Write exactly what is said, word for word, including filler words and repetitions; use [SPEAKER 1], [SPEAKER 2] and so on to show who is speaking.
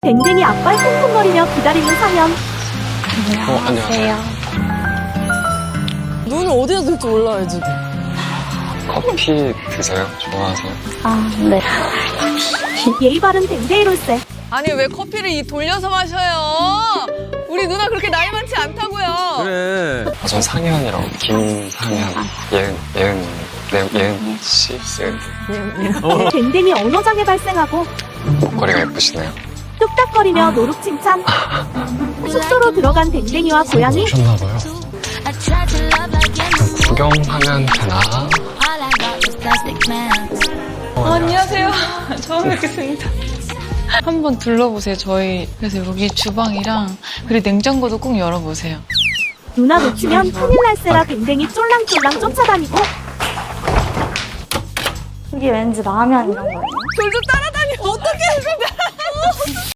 [SPEAKER 1] 댕댕이 앞발 쿵쿵거리며 기다리는 상현.
[SPEAKER 2] 어, 안녕하세요.
[SPEAKER 3] 눈을 어디다 둘지 몰라요, 지금.
[SPEAKER 2] 커피 드세요? 좋아하세요?
[SPEAKER 4] 아, 네.
[SPEAKER 1] 예의 바른 댕댕이롤세.
[SPEAKER 3] 아니, 왜 커피를 이 돌려서 마셔요? 우리 누나 그렇게 나이 많지 않다고요.
[SPEAKER 5] 그래.
[SPEAKER 2] 아, 전 상현이라고 김상현, 예은, 예은, 네, 예은 씨, 예은.
[SPEAKER 1] 댕댕이 언어장애 발생하고
[SPEAKER 2] 목걸이가 예쁘시네요.
[SPEAKER 1] 뚝딱거리며 노룩 칭찬. 숙소로 들어간 댕댕이와 고양이.
[SPEAKER 2] 오셨나봐요. 구경하면 되나?
[SPEAKER 6] 어, 안녕하세요. 처음 뵙겠습니다. 한번 둘러보세요, 저희. 그래서 여기 주방이랑, 그리고 냉장고도 꼭 열어보세요.
[SPEAKER 1] 누나 놓치면 큰일 날세라 댕댕이 쫄랑쫄랑 쫓아다니고.
[SPEAKER 4] 이게 왠지 라면 이런 거예요.
[SPEAKER 3] 돌좀 따라다니. 어떻게 해서